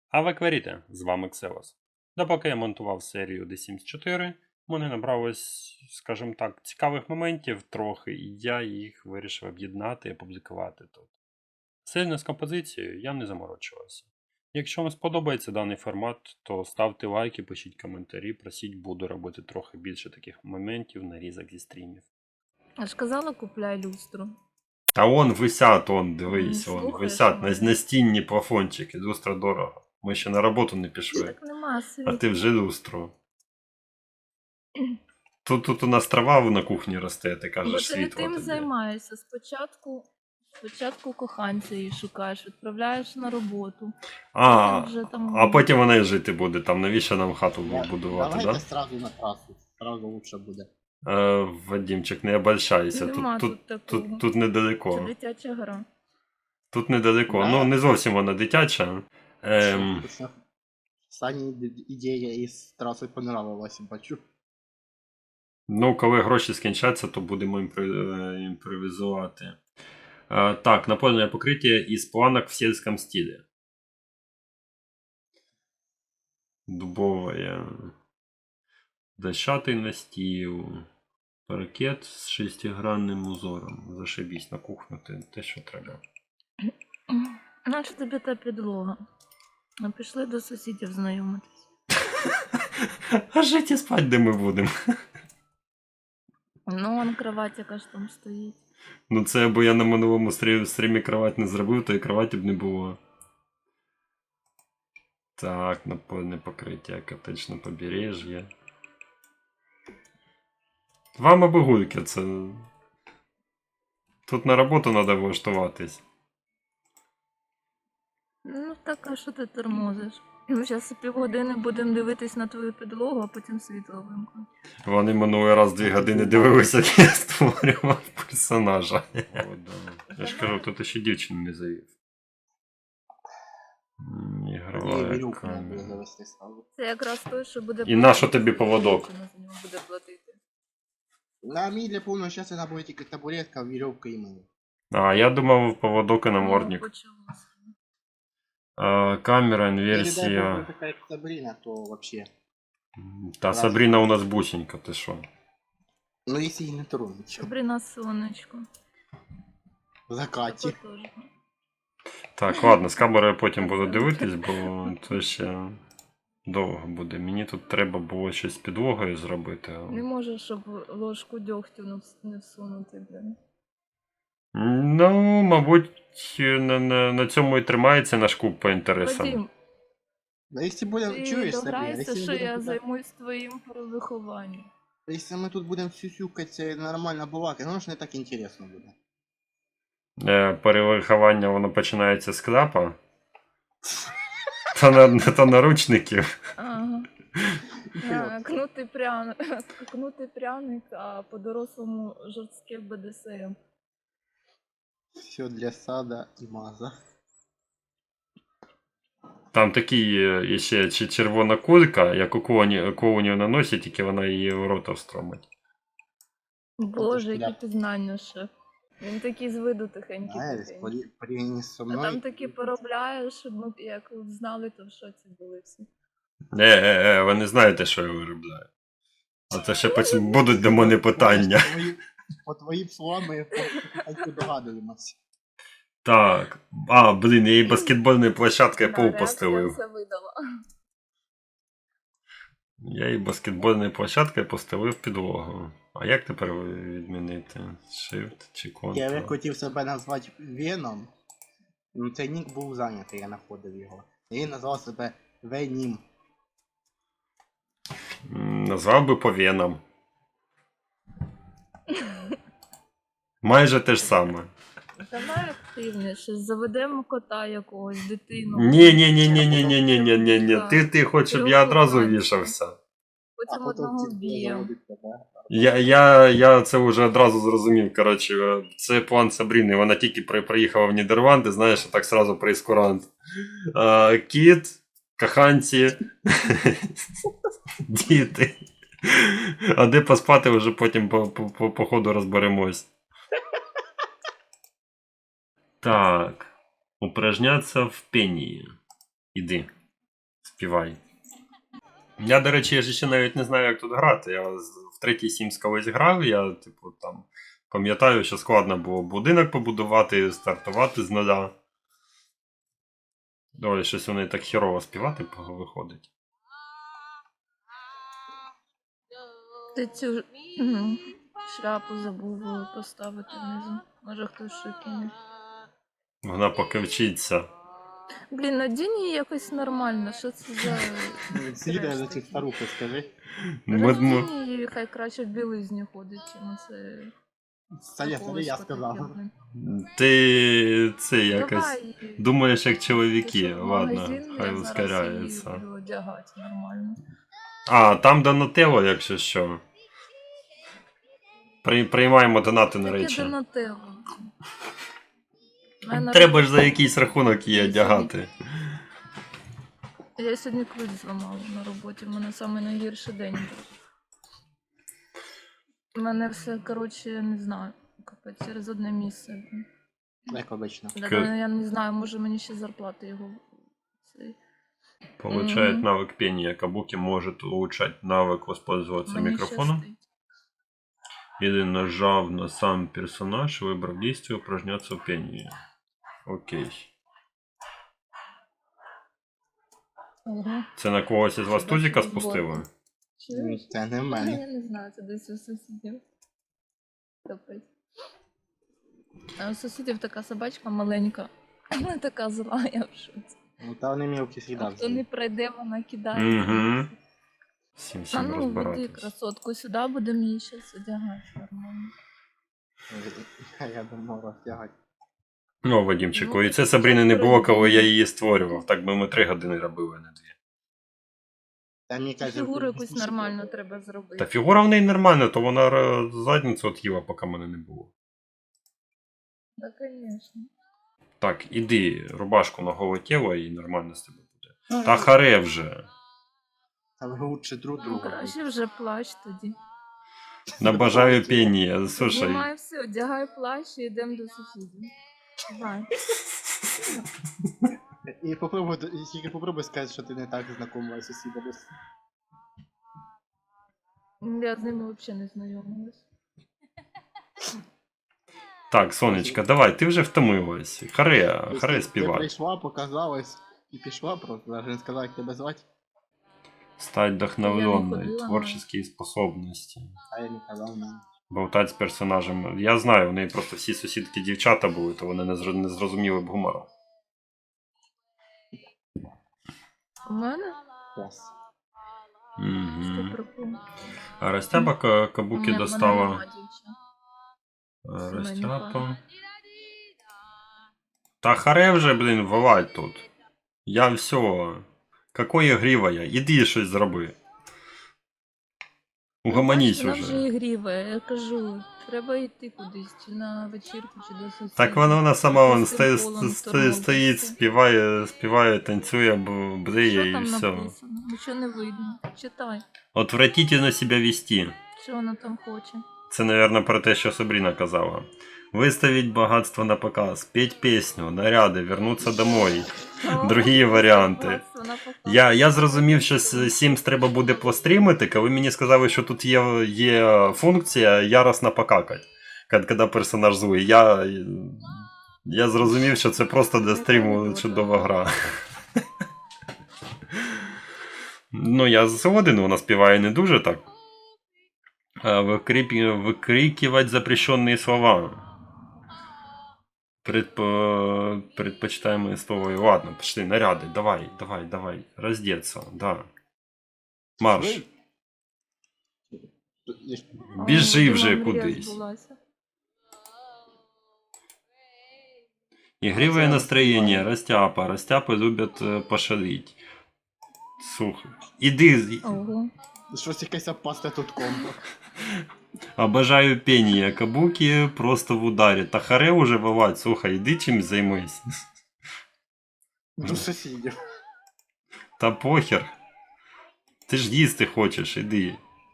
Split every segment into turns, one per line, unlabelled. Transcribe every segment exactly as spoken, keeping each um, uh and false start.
А ви кверіте, з вами Ксевос. Допоки я монтував серію The Sims чотири, в мене набралось, скажімо так, цікавих моментів трохи, і я їх вирішив об'єднати і опублікувати тут. Сильно з композицією я не заморочувався. Якщо вам сподобається даний формат, то ставте лайки, пишіть коментарі, просіть, буду робити трохи більше таких моментів, нарізок зі стрімів.
Я ж казала, купляй люстру.
Та вон висять, он, дивись,
Не
вон,
слухаєш
висять на,
мене?
на стінні плафончики, люстра дорого. Ми ще на роботу не пішли.
Так нема
А
світу.
ти вже люстру. Тут, тут у нас трава на кухні росте, ти
Бо
кажеш,
ти не
світло
тим
тобі.
займаєшся. Спочатку, спочатку коханця її шукаєш, відправляєш на роботу.
А,
Потім вже там...
а потім вона і жити буде, там навіщо нам хату будувати,
Давайте
да?
сразу на трасу, сразу лучше буде.
Е, Вадімчик, не обольщайся,
Нема
тут,
тут
тут,
такого.
тут, тут
Це
недалеко.
дитяча гра.
Тут недалеко,
Да.
ну не зовсім вона дитяча. Ем,
Точно. Сані іде- ідея із траси понравилась, бачу.
ну, коли гроші скінчаться, то будемо імпро- е, імпровізувати. Е, так, напольне покриття із планок в сільському стилі. Дубовая. Дощатий настіл. Паркет з шестигранним узором. Зашибісь на кухню, те, те що треба.
Наче тобі та підлога. Ну, пішли до сусідів знайомитись.
А жити спать де ми будемо?
Ну, вон кровать яка ж там стоїть.
Ну це або я на минулому стрі- стрімі кровать не зробив, то і кроваті б не було. Так, напольне покриття, котечне побережжя. Вам аби гульки, це. Тут на роботу треба влаштуватись.
Ну, так, а що ти тормозиш? Ми зараз півгодини будемо дивитись на твою підлогу, а потім світло вимкнуть.
Вони минулий раз дві години дивилися, як я створював персонажа. О, да. Я ж кажу, тут ще дівчину не завів. М,
І
Ігрова
вірюк не буде
камера.
завести сразу.
Це якраз той, що буде...
І на що тобі поводок?
Ціна за нього буде платити.
На мій для повного щастя треба буде тільки табуретка, вірьовка і мене.
А, я думав поводок і
Ну,
намордник.
почалося.
А, камера,
Якщо дай Бог,
інверсія.
така як Сабріна, то вообще.
Та Сабріна у нас бусінька, ти що?
Ну, якщо її не тронуть.
Сабріна сонечко.
В закаті.
Тако теж.
Так, ладно, з камерою потім буду дивитись, бо це ще довго буде. Мені тут треба було щось з підлогою зробити. а-
Не можеш, щоб ложку дьогтю не вс- не всунути, блін.
Ну, мабуть, на, на, на цьому і тримається наш клуб по інтересам.
Вадим,
Ну, якщо будемо,
ти
чуєш, Сабріна,
дограйся,
якщо
що
ми
я
будемо
займусь твоїм вихованням.
якщо ми тут будемо сюсюкати нормально балакати, ну ж не так інтересно буде.
Е, перевиховання воно починається з кляпа. Та, на, та наручників.
Ага. А, Кнутий пряник, кнутий пряник, а по-дорослому жорстке Б Д С М.
Все для сада і маза.
Там такий е, ще чи червона кулька, як у коуні, коунів наносять, тільки вона її в рота встромить.
Боже,
шкода.
які пізнання ще. Він такий з виду тихенький.
Знаєш,
тихенький.
порі- порівняно зі
А
мною.
там такі поробляєш, ми б як знали, то в шоці були всі.
Е, е, е, ви не знаєте, що я виробляю. А це ще потім будуть до мене питання.
По твоїм- По твоїм словам, ми потихеньку догадуємося.
Так. А, блін, я їй баскетбольною площадкою
Да,
пол
реакція
постелив.
все видала.
Я їй баскетбольною площадкою постелив підлогу. А як тепер відмінити? Shift чи
Я
Ctrl?
хотів себе назвати Веном, ну цей нік був зайнятий, я знаходив його. І назвав себе Венім.
М, Назвав би по венам. Майже те ж саме.
Давай активніше, заведемо кота якогось, дитину.
Ні, ні, ні, ні, ні, ні, ні, ні, ні, ні.
Так.
Ти, ти хочеш, щоб я одразу вішався.
Потім
потім
одного
ці
вб'ємо.
заводить тебе.
Я, я, я це вже одразу зрозумів. Коротше, це план Сабріни. Вона тільки при, приїхала в Нідерланди, знаєш, так сразу прейскурант. А, кіт, коханці, діти. А де поспати, вже потім по, по, по, по ходу розберемось. Так. Упражняться в пенії. Іди. Співай. Я, до речі, я ж ще навіть не знаю, як тут грати. Я з- в третій Sims колись грав, я, типу, там пам'ятаю, що складно було будинок побудувати, стартувати з нуля. Ой, щось вони так хірово співати виходить.
Ти цю м, шляпу забув поставити внизу. Може хтось ще кине.
Вона поки вчиться.
Блін, надінь її якось нормально. Що це за.
Сідай за
треш
цих
такий?
старухи, скажи.
Ми, ми,
Роздінь її, хай краще в білизні ходить, чим це.
Саня, це не я сказав.
ти це якось
Давай.
думаєш як
Ти
чоловіки.
що, в
Ладно,
магазин,
хай
я зараз її
ускоряється.
буду одягати нормально.
А, там Донателло, якщо що. При, приймаємо донати на
Таке
речі.
Донателло. Мене
Треба ж за якийсь рахунок її
Я
одягати.
Я сьогодні ключ зламала на роботі, в мене самий найгірший день був. У мене все, коротше, не знаю, капець, через одне місце.
Як обично.
Да,
К-
Я не знаю, може мені ще зарплати його. цей,
Получает
Мгм.
навык пения. Кабуки может улучшать навык воспользоваться
Мені
микрофоном.
щастить.
Или нажав на сам персонаж, выбрав действие, упражняться в пении. Окей.
Ого.
Це на когось із вас
Це
тузика
бачу,
спустили?
Чуєш?
Це не в
Я
мене.
не знаю, це десь у сусідів. Капець. А у сусідів така собачка маленька. Вона така зла, я в шоці.
Ну, та вони мілкі
А
сідав.
хто не пройде, вона кидає.
Угу. Всім
А
всім
ну, веди
розбиратись.
красотку сюди, будемо її зараз одягати нормально.
Я думав роздягати.
Ну, Вадімчику,
Ну,
і це
так
Сабріни не було, коли я
перейди.
її створював. Так би ми три години робили, а не дві.
Та мені каже,
Фігуру якусь нормально треба зробити.
Та фігура в неї нормальна, то вона е, задницю от їла, поки мене не було.
Так, звісно.
Так, іди, рубашку на голе тіло і нормально з тебе буде. Та харе вже.
Та ви лучше друг
Ну,
друга.
краще вже плащ тоді.
Набажаю пенія. Слушай,
Знімай все, одягай плащ і йдемо до сусідів. Давай.
І попробуй, і тільки попробуй сказати, що ти не так знакома з сусідами.
Я з ними взагалі не знайомилась.
так, сонечка, давай, ти вже втомилась. Харе, харе
Ти
співай.
прийшла, показалась і пішла просто, навіть не сказала, як тебе звати,
Стать вдохновленной,
ходила,
творческие способності.
а я не казав нам.
Болтать з персонажем. Я знаю, у неї просто всі сусідки дівчата були, то вони не, зро- не зрозуміли б гумору.
У мене?
Клас.
Що
Угу.
прикол?
А Растяпа Ка- Кабуки
У мене-
достала.
в мене нема дівчат.
А,
Сімейний
Растяпа.
план.
Та харе вже, блін, вилазь тут. Я все. Какое грівая? Іди щось зроби. Угомонісь
Вона вже
уже.
ігріва, я кажу, треба йти кудись, чи на вечірку, чи до сусідів.
Так вона, вона сама вон
Якось
стоїть,
футболом
стоїть,
торгуватися.
стоїть, співає, співає, танцює, б- бриє
Що
і
там
все.
написано? Нічого не видно. Читай,
Отвратительно себе вести.
що вона там хоче.
Це, наверное, про те, що Сабріна казала. Выставить богатство на показ, петь песню, наряди, вернуться домой. Другі варіанти. Я, я зрозумів, що с- Sims треба буде пострімити, коли мені сказали, що тут є, є функція яростно покакать, коли коли персонаж злий. Я, я зрозумів, що це просто для стріму чудова гра. Ну, я згоден, вона співає не дуже так. А Викріп... Викрикивать запрещенные слова. Предпо... Предпочитаемые слова. Ладно, пошли, наряды. Давай, давай, давай. Раздеться, да. Марш. Біжи вже кудись. Игривое настроение. Растяпа. Растяпы любят э, пошалить. Слухай. Іди.
Ого.
Щось якесь опасне тут комбо.
Обожаю пение. Кабуки просто в ударі. Та харе уже вилазь. Слухай, іди чим займись.
До сусідів.
Та похер. Ти ж їсти хочеш, іди.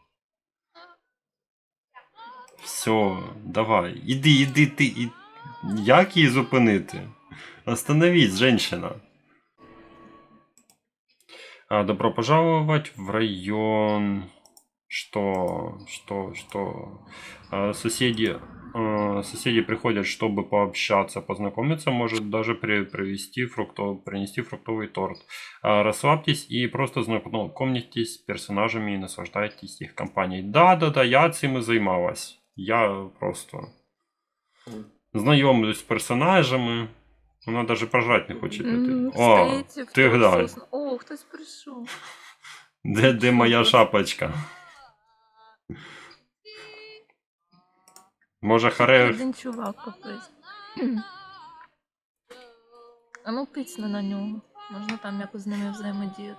Все, давай. Іди, іди, ти. І... Як її зупинити? Остановись, женщина. А, добро пожаловать в район. Что, что, что? А, соседи, а, соседи приходят, чтобы пообщаться, познакомиться, может даже при, привезти фруктов, принести фруктовый торт. А, расслабьтесь и просто знакомьтесь с персонажами и наслаждайтесь их компанией. Да, да, да, я цим і займалась. Я просто знайомлюсь з персонажами. Вона навіть пожрати не хоче піти.
М,
О,
Стоїть в
ти
тому
глянь.
сосну- О, хтось прийшов.
Де, де моя шапочка? Може
Ще
харе...
один чувак капець. А ну пицьне на нього. Можна там якось з ними взаємодіяти.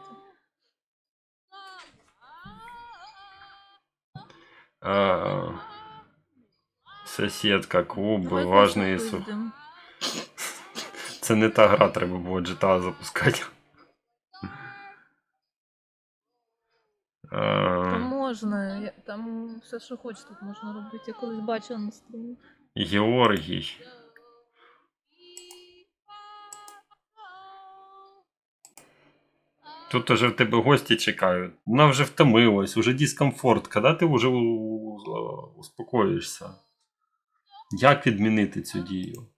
А, Сусідка, клуби,
Давай
важний
когось
сух.
напиздимо.
Це не та гра, треба було джі ті ей запускати.
Та
А,
можна, я- там все, що хочеш, тут можна робити. Я колись бачила на стрімі.
Георгій. Тут уже в тебе гості чекають. Вона вже втомилась, уже дискомфорт. Коли ти вже у- у- успокоїшся? Як відмінити цю дію?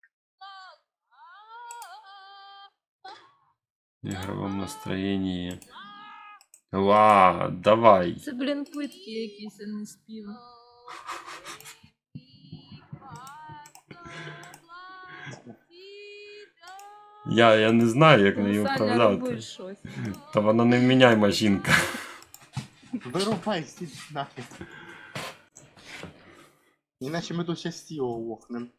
В ігровому настроєнні. Ла, давай.
Це, блін, плитки якісь, а не співи.
Я, я не знаю, як
Ну,
неї
Саня,
управляти.
роби щось.
Та вона невміняйма жінка.
Вирубай, стіть нафіг. Іначе ми тут ще стіло лохнем.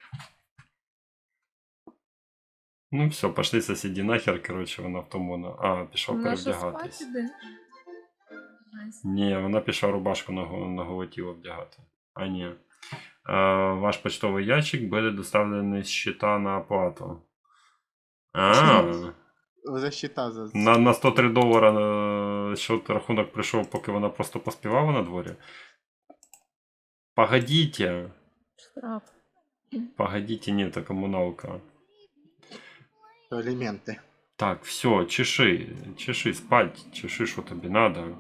Ну все, пошли сусіді нахер, коротше, вона в тому. на- А, пішов
Вона що
перевдягатись.
спать іде? Найс.
Ні, вона пішла рубашку на, го- на голе тіло вдягати. А ні. А, ваш почтовий ящик буде доставлений з щита на оплату. А,
За щита за...
на, на сто три долара е, счет рахунок прийшов, поки вона просто поспівала на дворі. Погодите.
Штраф.
Погодите, ні, це комуналка.
Елементи.
Так, все, чеши, чеши, спать, чеши, що тобі надо.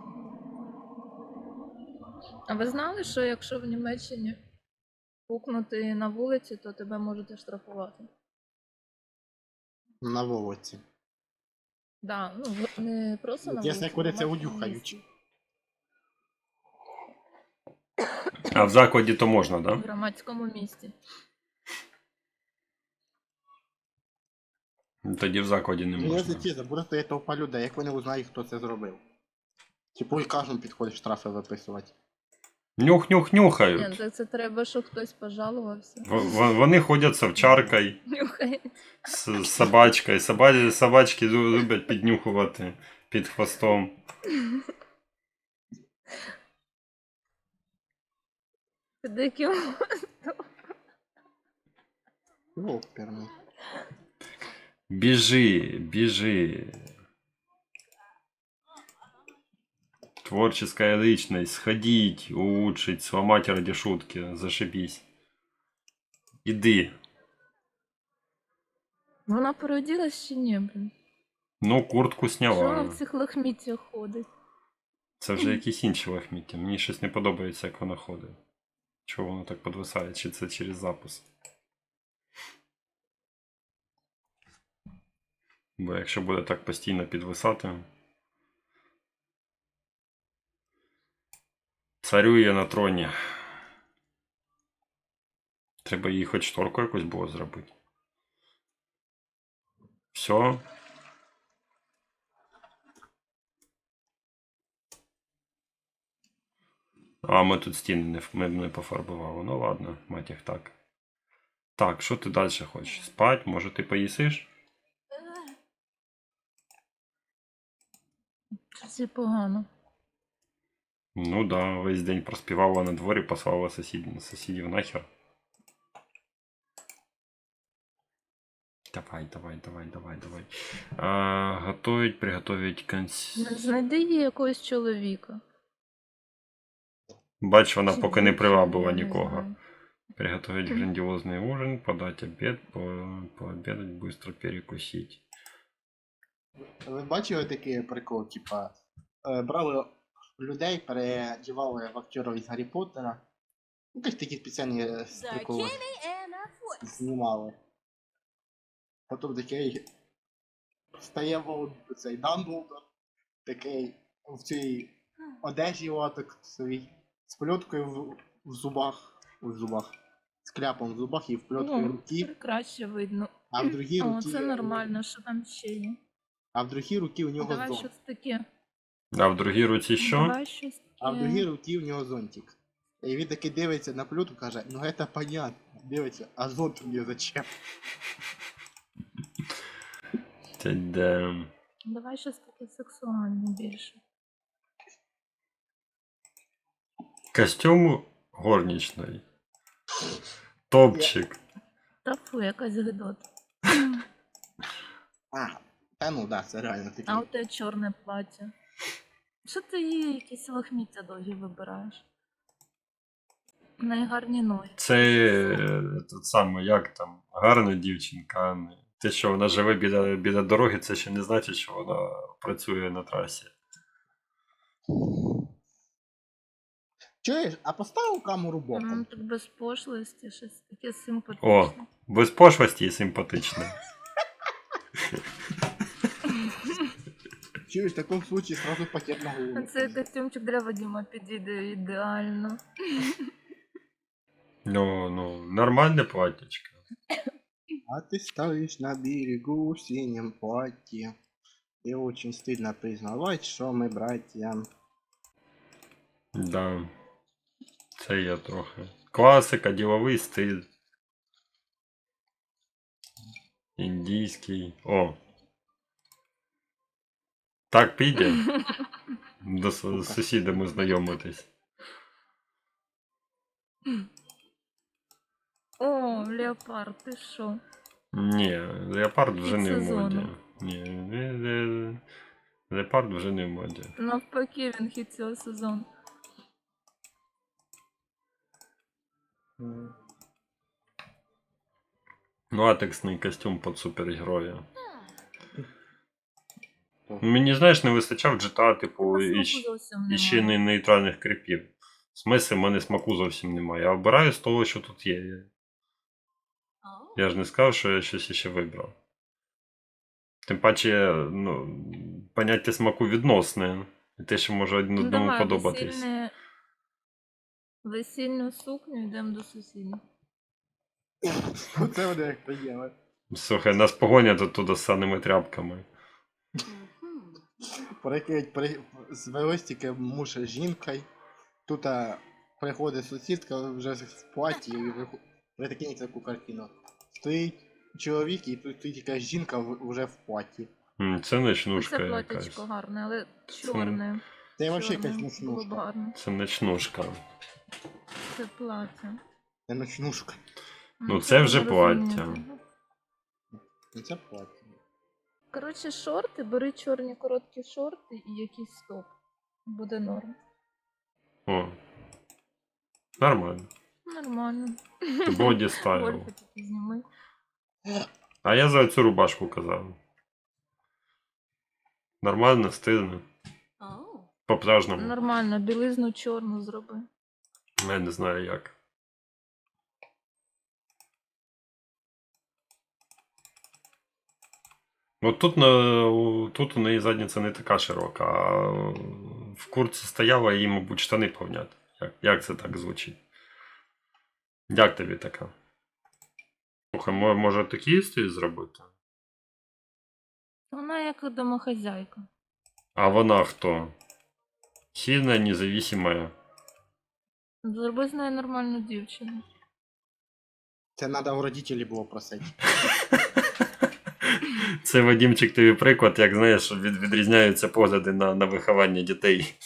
А ви знали, що якщо в Німеччині пукнути на вулиці, то тебе можуть штрафувати?
На вулиці.
Да, ну в- не просто на
От
вулиці.
Якщо куриця
а в
удюхають.
місті.
А в закладі то можна,
В
да?
громадському місті.
Тоді в закладі не
Ну, я
можна.
затіза, буде стояти толпа людей, як вони узнають, хто це зробив. Типу і кожен підходить штрафи виписувати.
Нюх, нюх,
Ні,
нюхають.
це, це треба, щоб хтось пожалувався.
В- в- Вони ходять з овчаркою,
Нюхає.
з з собачкою. Соба- Собачки лю- люблять піднюхувати під хвостом.
Під яким
Оперний.
Біжи, біжи. Творческая личность. Сходить, улучшить, сломать ради шутки. Зашибись. Іди.
Вона переоділась чи ні, блін?
Ну, куртку
Що вона
сняла.
в цих лахміттях ходить?
Це вже якісь інші лахміття. Мені щось не подобається, як вона ходить. Чого воно так підвисає? Чи це через запис? Бо якщо буде так постійно підвисати. Царює на троні. Треба їй хоч шторку якусь було зробити. Все. А, ми тут стіни не, ф- ми не пофарбували. Ну ладно, мать їх так. Так, що ти далі хочеш? Спать? Може ти поїсиш?
Щось і погано.
Ну да, весь день проспівала на дворі, послала сусід, сусідів нахер. Давай, давай, давай, давай, давай. А, готовить, приготовить конс...
Знайди їй якогось чоловіка.
Бач, вона
Чи
поки не
дівчину,
привабила
я не
нікого.
знаю.
Приготовить грандиозный ужин, подать обед, по... пообедать, быстро перекусить.
Ви бачили такий прикол, типа, е, брали людей, переодівали в актерів із Гаррі Поттера. Ну, якісь такі спеціальні е, приколи знімали. Потім такий стає Волд- цей Дамблдор, такий в цій одежі латек своїй, з пльоткою в, в зубах, в зубах, з кляпом в зубах і в пльоткою
О,
руки,
краще видно.
а в другій
О,
руки,
це нормально, що там ще є.
а в другій руки у нього
Давай
зонт.
щось таке.
А в другій руці що?
Давай щось
А в
таке.
другій руці у нього зонтик. І він таки дивиться на плюту, каже, ну це понятно. Дивиться, а зонт мені зачем?
Та де.
Давай щось таке сексуальне більше.
Костюм горничної. Топчик.
Та фу, якась гидота.
А, та ну да, це реально таке.
А у тебе чорне плаття. Що ти її якісь лохміття довгі вибираєш? В неї гарні ноги.
Це е, тут саме, як там, гарна дівчинка, а не. Те, що вона живе біля, біля дороги, це ще не значить, що вона працює на трасі.
Чуєш, а поставив камеру
М,
боком.
Так без пошлості, щось таке симпатичне.
О, без пошлості і симпатично.
Чуєш, в такому случаї сразу пакет на
А
голову.
цей костюмчик для Вадима підійде ідеально.
Ну, ну, нормальне платтячко.
А ты стоишь на берегу в синем платье. И очень стыдно признавать, что мы братья.
Да. Це є трохи. Класика, діловий стиль. Індійський. О. Так піде. До су- з сусідами знайомитись.
О, леопард, ти що?
Ні, леопард вже не в моді.
сезону.
Ні, ле- ле- леопард вже не в моді.
Навпаки, він хід цього сезону.
Латексний костюм під супергероя. Мені, знаєш, не вистачав джі ті ей, типу, і,
Смаку
щ-
зовсім
і ще
немає.
не нейтральних кріпів. В смислі, в мене смаку зовсім немає. Я обираю з того, що тут є. Я ж не сказав, що я щось іще вибрав. Тим паче, ну, поняття смаку відносне. І те, що може один
Ну,
одному
давай,
подобатись.
весільне... Весільну сукню йдемо до сусідів.
Це вони як приємно.
Слухай, нас погонять туди з саними тряпками.
Прикинь, при... звелось тільки муж з жінкою. Тут а, приходить сусідка вже в платі і виху- прикинь таку картину. Стоїть чоловік і тут стоїть якась жінка в- вже в платі.
М, Це ночнушка
Це
якась.
платячко гарне, але чорне.
Це взагалі якась
Чорне було б
ночнушка.
гарно.
Це ночнушка.
Це плаття.
Це ночнушка.
Ну, це вже
ви
плаття.
розумієте.
Ну, це плаття.
Коротше, шорти, бери чорні короткі шорти і якийсь топ. Буде норм.
О. Нормально.
Нормально.
Боді стайл.
Гольфи такі зніми.
А я за цю рубашку казав. Нормально, стильно. По пляжному.
Нормально, білизну чорну зроби.
Я не знаю як. От тут, на, у- тут у неї задниця не така широка, а в куртці стояла і їй, мабуть, штани повняти. Як, як це так звучить? Як тобі така? Слухай, мо- може такий стиль зробити?
Вона як домохозяйка.
А вона хто? Сильна, независимая.
Зроби з нею нормальну дівчину.
Це треба у родителів було просити.
Це, Вадімчик, тобі приклад, як знаєш, від, відрізняються погляди на, на виховання дітей.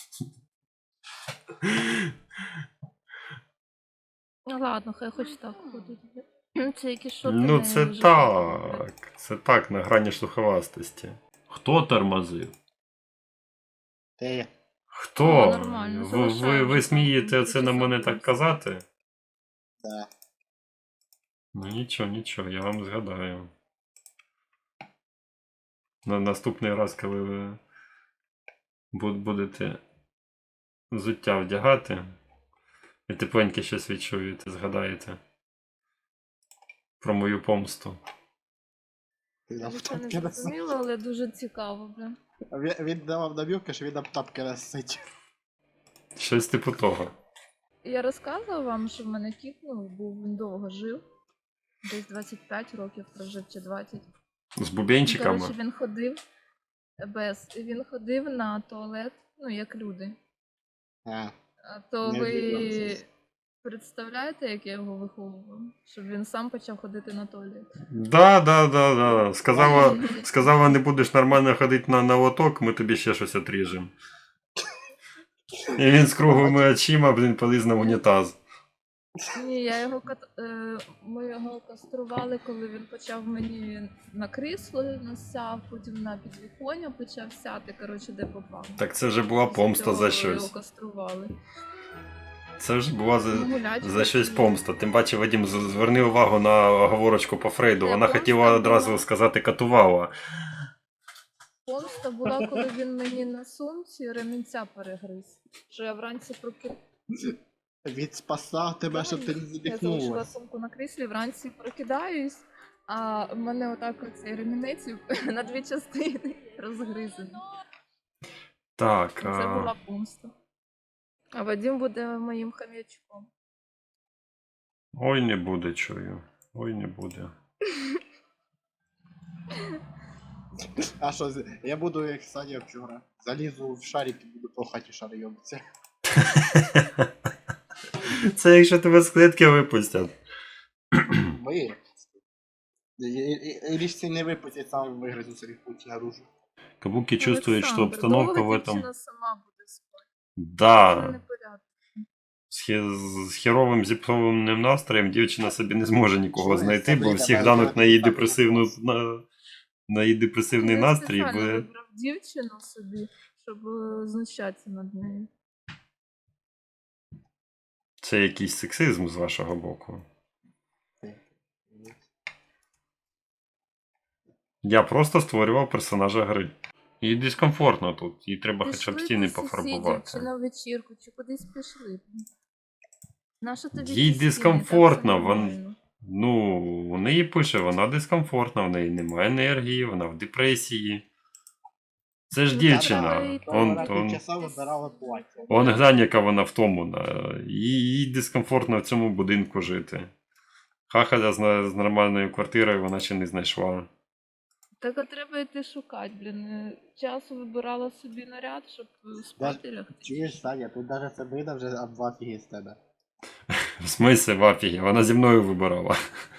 Ну ладно, хай хоч так ходить. Це якісь шорти.
Ну,
не
це
дуже
так. Це так, на грані слуховастості. Хто тормозив?
Те
Хто?
О, нормально,
ви, ви,
залишаємо,
ви смієте
так,
це на мене так
записуємо.
казати?
да.
Ну нічого, нічого, я вам згадаю. На наступний раз, коли ви бу- будете взуття вдягати, і тепленьке щось відчуєте, згадаєте про мою помсту.
Я
Це не
тапки розсить.
зрозуміло, але дуже цікаво, бля.
Він, він давав намівки, що він нам тапки розсить.
Щось типу того.
Я розказувала вам, що в мене кіт, ну, був, він довго жив. Десь двадцять п'ять років прожив чи двадцять.
З бубенчиками.
Коротше, він ходив без. Він ходив на туалет, ну, як люди.
А,
А то
Не
ви
вдивлявся.
представляєте, як я його виховував? Щоб він сам почав ходити на туалет.
Да, да, да, да. Сказала, сказала, не будеш нормально ходити на, на лоток, ми тобі ще щось отріжемо. І він з круглими очима, блін, поліз на унітаз.
Ні, я його кат... е, ми його кастрували, коли він почав мені на крісло насяв, потім на підвіконня почав сяти, коротше, де попав.
Так це вже була
Після
помста
цього
за
Його
щось.
кастрували.
Це вже була за,
Гулячка
за щось
є.
помста. Тим паче, Вадим, з- зверни увагу на оговорочку по Фрейду.
Це
Вона
помста
хотіла одразу
була.
сказати катувала.
Помста була, коли він мені на сумці ремінця перегриз. Що я вранці прокинула.
він спасав тебе, щоб ти не
Я залишила
задихнулась.
сумку на кріслі, вранці прокидаюсь, а в мене отак оцей ремінець на дві частини розгризаний.
Так.
Це
А...
була помста. А Вадим буде моїм хам'ячком.
Ой, не буде, чую. Ой, не буде.
А що, з- я буду як Саня вчора. Залізу в шарик і буду по хаті шари йобитися.
Це якщо тебе з клітки випустять.
Ви. І річці не випустять, сам вигризу собі путь наружу.
Кабуки чувствують, що
Олександр,
обстановка
довго
в этом...
дівчина сама буде спати. Це
Да.
непорядок.
З, хе- з херовим зіпсованим настроєм дівчина собі не зможе нікого
Що,
знайти, бо
Сабріна,
всі
давай,
глянуть на її
давай,
депресивну
давай.
на, на її депресивний
Я
настрій,
спеціально
бо
вибрав дівчину собі, щоб е, знущатися над нею.
це якийсь сексизм з вашого боку. Я просто створював персонажа гри. Їй дискомфортно тут, їй треба хоча б
Пішли
стіни
до сусідів, чи
пофарбувати.
на вечірку, чи кудись пішли. Наша тобі
Їй
ті стіни,
дискомфортно,
так все
вон-
нормально.
Ну, у неї пише, вона дискомфортна, в неї немає енергії, вона в депресії. Це ж
Ну,
дівчина.
та, і то
Он,
Вона
так.
он,
півчаса вибирала плаття.
он глянь, яка вона втомлена. Їй, їй дискомфортно в цьому будинку жити. Хахаля з, на- з нормальною квартирою вона ще не знайшла.
Так а треба йти шукати, блін. Е, Часу вибирала собі наряд, щоб е, спати лягти.
Чуєш, Саня, тут навіть Сабрина вже об два фіги з тебе.
В смислі, в афігі, вона зі мною вибирала.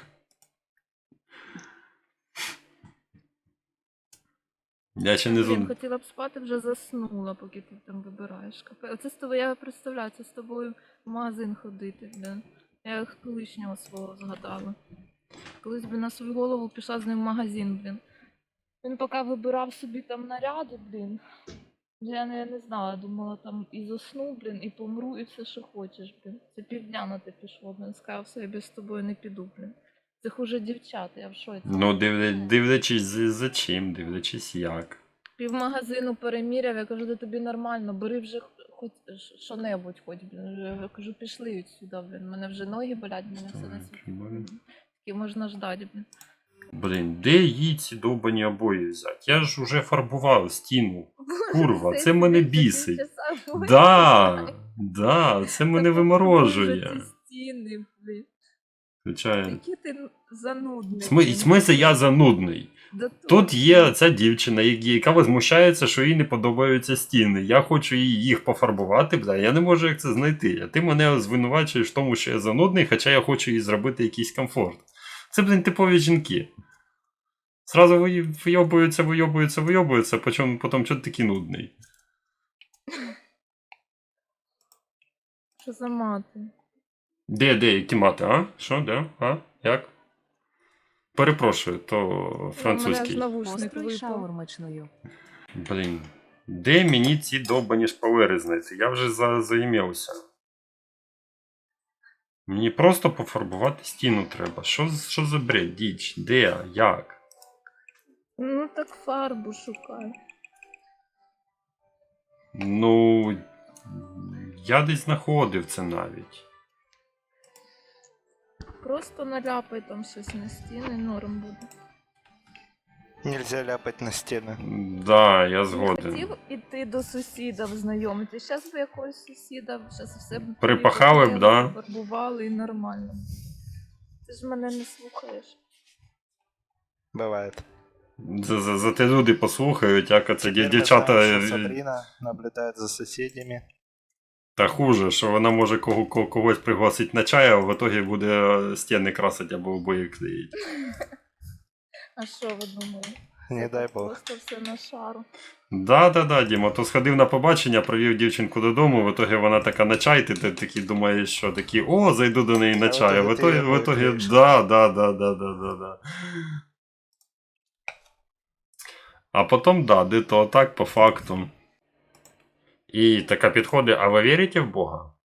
Я ще не
Блін,
зон...
хотіла б спати, вже заснула, поки ти там вибираєш. Капе- Оце з тобою, я представляю, це з тобою в магазин ходити, блін. Я колишнього свого згадала. Колись би на свою голову пішла з ним в магазин, блін. Він поки вибирав собі там наряди, блін. Я не, не знала, думала там і засну, блін, і помру, і все, що хочеш, блін. Це півдня на те пішло, блін. Сказав, все, я без з тобою не піду, блін. Це хуже дівчат, я в шоці.
Ну, дивля... дивлячись за, за чим, дивлячись як.
Пів магазину переміряв, я кажу, да тобі нормально, бери вже хоч що-небудь, хоч, блін. Вже, я кажу, пішли відсюди, блін. Мене вже ноги болять, мене все на світі.
Блін.
Такі можна ждати, блін.
Блін, де їй ці довбані обої взяти? Я ж уже фарбував стіну. Курва, це мене бісить. Да, да, це мене виморожує.
Ці стіни, блін.
Звичайно.
Який ти занудний.
В смислі- в смислі я занудний.
Да
Тут є ця дівчина, я- яка возмущається, що їй не подобаються стіни. Я хочу їй їх пофарбувати, бля, я не можу як це знайти. А ти мене звинувачуєш в тому, що я занудний, хоча я хочу їй зробити якийсь комфорт. Це, блін, типові жінки. Зразу ви- вийобуються, вийобуються, вийобуються, потім, потім чого ти такий нудний.
Що за мати?
Де, де, які мати, а? Що, де? А? Як? Перепрошую, то
У мене аж
французький.
навушник
Построй
випав.
шаурмичною.
Блін. Де мені ці довбані шпалери знайти? Я вже за, заім'явся. Мені просто пофарбувати стіну треба. Що, з- що за бред, діч? Де? Як?
Ну так фарбу шукай.
Ну, я десь знаходив це навіть.
Просто наляпай там щось на стіни, норм буде.
Нельзя ляпать на стены.
Да, я
Не
згоден.
хотів іти до сусіда знайомитися. Зараз би якогось сусіда, зараз все б
Припахали б, да?
фарбували і нормально. Ти ж мене не слухаєш.
Бывает.
За, за, за те люди послухають, як це
Теперь мы
дівчата.
знаем,
е,
что Сабрина наблюдает за соседями.
Та хуже, що вона може кого, кого, когось пригласити на чай, а в итогі буде стіни красити або обоє клеїть.
А що ви думали?
Не
Це
дай
так
бог.
Просто все на шару.
Да, да, да, Діма, то сходив на побачення, провів дівчинку додому, в итогі вона така на чай, ти, ти такий думаєш, що такий, о, зайду до неї на
А в
чай, а в
итоге ты
итогі,
його
в итогі,
клеїш.
да, да, да, да, да, да, да. А потім, да, де то так, по факту. І така підходить, а ви вірите в Бога?